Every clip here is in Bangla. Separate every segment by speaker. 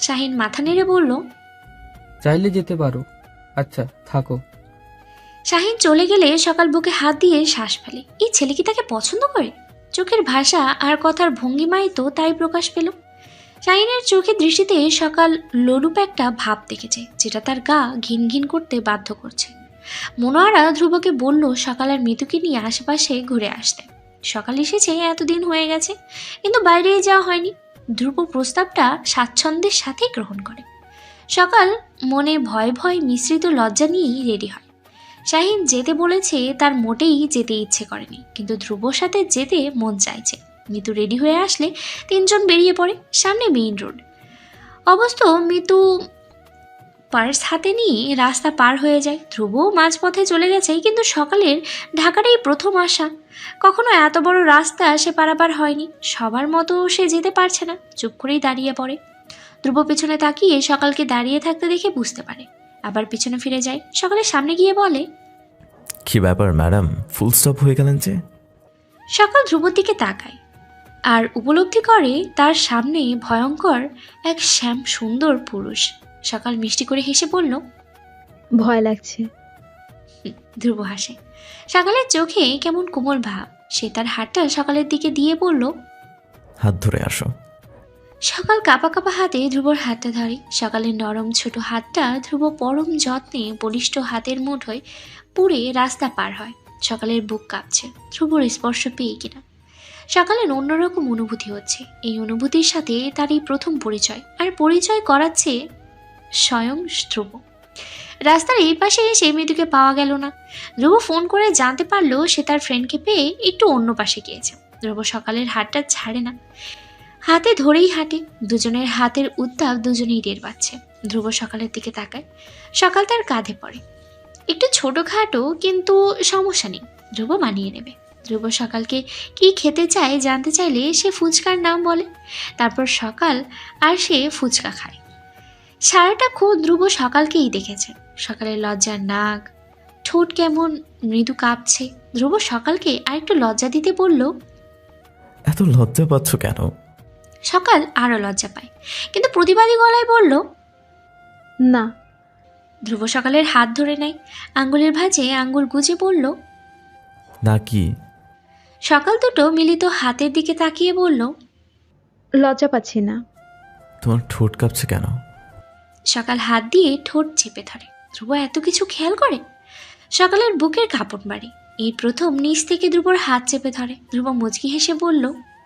Speaker 1: শাহিন মাথা নেড়ে বলল,
Speaker 2: চাইলে যেতে পারো। আচ্ছা থাকো।
Speaker 1: শাহিন চলে গেলে সকাল বুকে হাত দিয়ে শ্বাস ফেলে। এই ছেলে কি তাকে পছন্দ করে? চোখের ভাষা আর কথার ভঙ্গিমায় তো তাই প্রকাশ পেল। শাহিনের চোখের দৃষ্টিতে সকাল লোলুপ একটা ভাব দেখেছে, যেটা তার গা ঘিন ঘিন করতে বাধ্য করছে। মনোয়ারা ধ্রুবকে বলল সকাল আর মৃতুকে নিয়ে আশেপাশে ঘুরে আসতে। সকাল এসেছে, এতদিন হয়ে গেছে, কিন্তু বাইরে যাওয়া হয়নি। ধ্রুব প্রস্তাবটা স্বাচ্ছন্দ্যের সাথেই গ্রহণ করে। সকাল মনে ভয় ভয় মিশ্রিত লজ্জা নিয়েই রেডি হয়। শাহিন যেতে বলেছে, তার মোটেই যেতে ইচ্ছে করেনি, কিন্তু ধ্রুবর সাথে যেতে মন চাইছে। মিতু রেডি হয়ে আসলে তিনজন বেরিয়ে পড়ে। সামনে মেইন রোড। অবশ্য মিতু পার্স হাতে নিয়ে রাস্তা পার হয়ে যায়। ধ্রুব মাঝপথে চলে গেছে, কিন্তু সকালের ঢাকার এই প্রথম আসা। কখনো এত বড় রাস্তা সে পারাপার হয়নি। সবার মতো সে যেতে পারছে না, চুপ করেই দাঁড়িয়ে পড়ে। ধ্রুব পেছনে তাকিয়ে সকালকে দাঁড়িয়ে থাকতে দেখে বুঝতে পারে, আবার পিছনে ফিরে যায়। সকালের সামনে গিয়ে বলে,
Speaker 3: কি ব্যাপার ম্যাডাম, ফুল স্টপ হয়ে গেলেন যে?
Speaker 1: সকাল ধ্রুবর দিকে তাকায় আর উপলব্ধি করে তার সামনে ভয়ঙ্কর এক শ্যাম সুন্দর পুরুষ। সকাল মিষ্টি করে হেসে বলল,
Speaker 4: ভয় লাগছে।
Speaker 1: ধ্রুব হাসে। সকালের চোখে কেমন কোমল ভাব। সে তার হাতটা সকালের দিকে দিয়ে বলল,
Speaker 3: হাত ধরে আসো।
Speaker 1: সকাল কাঁপা কাঁপা হাতে ধ্রুবর হাতটা ধরে। সকালের নরম ছোট হাতটা ধ্রুব পরম যত্নে বলিষ্ঠ হাতের মুঠোয় পুড়ে রাস্তা পার হয়। সকালের বুক কাঁপছে, ধ্রুবর স্পর্শ পেয়ে কিনা। সকালের অন্যরকম অনুভূতি হচ্ছে। এই অনুভূতির সাথে তার এই প্রথম পরিচয়, আর পরিচয় করাচ্ছে স্বয়ং ধ্রুব। রাস্তার এই পাশে সেই মেয়েটিকে পাওয়া গেল না। ধ্রুব ফোন করে জানতে পারলো সে তার ফ্রেন্ডকে পেয়ে একটু অন্য পাশে গিয়েছে। ধ্রুব সকালের হাতটা ছাড়ে না, হাতে ধরেই হাঁটে। দুজনের হাতের উত্তাপ দুজনেই টের পাচ্ছে। ধ্রুব সকালের দিকে তাকায়। সকাল তার কাঁধে পড়ে। একটু ছোটোখাটো, কিন্তু সমস্যা নেই, ধ্রুব মানিয়ে নেবে। ধ্রুব সকালকে কি খেতে চায় জানতে চাইলে সে ফুচকার নাম বলে। তারপর সকাল আর সে ফুচকা খায়। সারাটা খুব ধ্রুব সকালকেই দেখেছে। সকালের লজ্জার নাক, ঠোঁট কেমন মৃদু কাঁপছে। ধ্রুব সকালকে আরেকটু লজ্জা দিতে বলল,
Speaker 3: এত লজ্জা পাচ্ছ কেন?
Speaker 1: সকাল আরও লজ্জা পায়, কিন্তু প্রতিবাদী গলায় বলল,
Speaker 4: না।
Speaker 1: ধ্রুব সকালের হাত ধরে নেয়, আঙ্গুলের ভাঁজে আঙ্গুল গুজে বলল,
Speaker 3: না কি?
Speaker 1: সকাল দুটো মিলিত হাতের দিকে তাকিয়ে বলল,
Speaker 4: লজ্জা পাচ্ছি না।
Speaker 3: তোমার ঠোঁট কাঁপছে কেন?
Speaker 1: সকাল হাত দিয়ে ঠোঁট চেপে ধরে। ধ্রুব এত কিছু খেয়াল করে। সকালের বুকের কাঁপন বাড়ে। এই প্রথম নিচ থেকে ধ্রুবর হাত চেপে ধরে। ধ্রুব মুচকি হেসে বলল,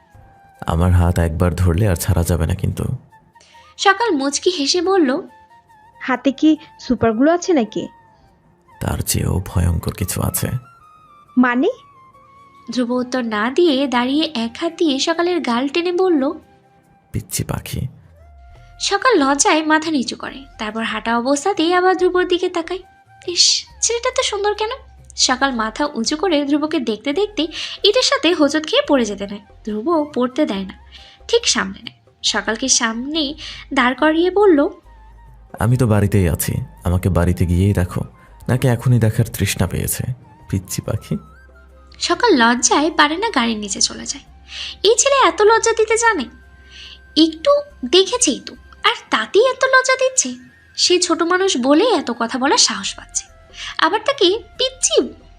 Speaker 3: আমার হাত একবার ধরলে আর ছাড়া যাবে না কিন্তু।
Speaker 1: সকাল মুচকি হেসে বলল,
Speaker 4: হাতে কি সুপারগুলো আছে নাকি?
Speaker 3: তার চেয়েও ভয়ঙ্কর কিছু আছে।
Speaker 4: মানে?
Speaker 1: ধ্রুব উত্তর না দিয়ে দাঁড়িয়ে এক হাত দিয়ে সকালের গাল টেনে বলল,
Speaker 3: পিচ্ছি পাখি।
Speaker 1: সকাল লজ্জায় মাথা নিচু করে। তারপর হাঁটা অবস্থাতেই আবার ধ্রুবর দিকে তাকায়। ইস, ছেলেটা তো সুন্দর কেন? সকাল মাথা উঁচু করে ধ্রুবকে দেখতে দেখতে ইটের সাথে হোঁচট খেয়ে পড়ে যেতে নেয়। ধ্রুব পড়তে দেয় না, ঠিক সামনে নেয়। সকালকে সামনে দাঁড় করিয়ে বলল,
Speaker 3: আমি তো বাড়িতেই আছি, আমাকে বাড়িতে গিয়েই দেখো, নাকি এখনই দেখার তৃষ্ণা পেয়েছে? পিচ্ছি পাখি।
Speaker 1: সকাল লজ্জায় পারে না, গাড়ির নিচে চলে যায়। এই ছেলে এত লজ্জা দিতে জানে? একটু দেখেছেই তো, আর তাতেই এত লজ্জা দিচ্ছে। সে ছোট মানুষ বলে এত কথা বলার সাহস পাচ্ছে। আবার তাকে পিচ্ছি,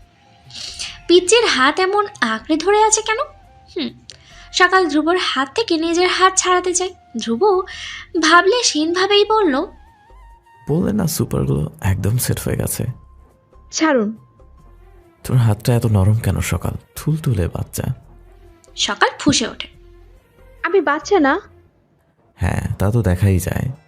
Speaker 1: পিচ্চির হাত এমন আঁকড়ে ধরে আছে কেন? সকাল ধ্রুবর হাত থেকে নিজের হাত ছাড়াতে চায়। ধ্রুব ভাবলে সেনভাবেই বলল,
Speaker 3: বললে না সুপারগুলো একদম সেট হয়ে গেছে।
Speaker 4: ছাড়ুন।
Speaker 3: তোর হাতটা এত নরম কেন সকাল? তুলে বাচ্চা।
Speaker 1: সকাল ফুঁসে ওঠে।
Speaker 4: আমি বাচ্চা না।
Speaker 3: হ্যাঁ তা তো দেখাই যায়।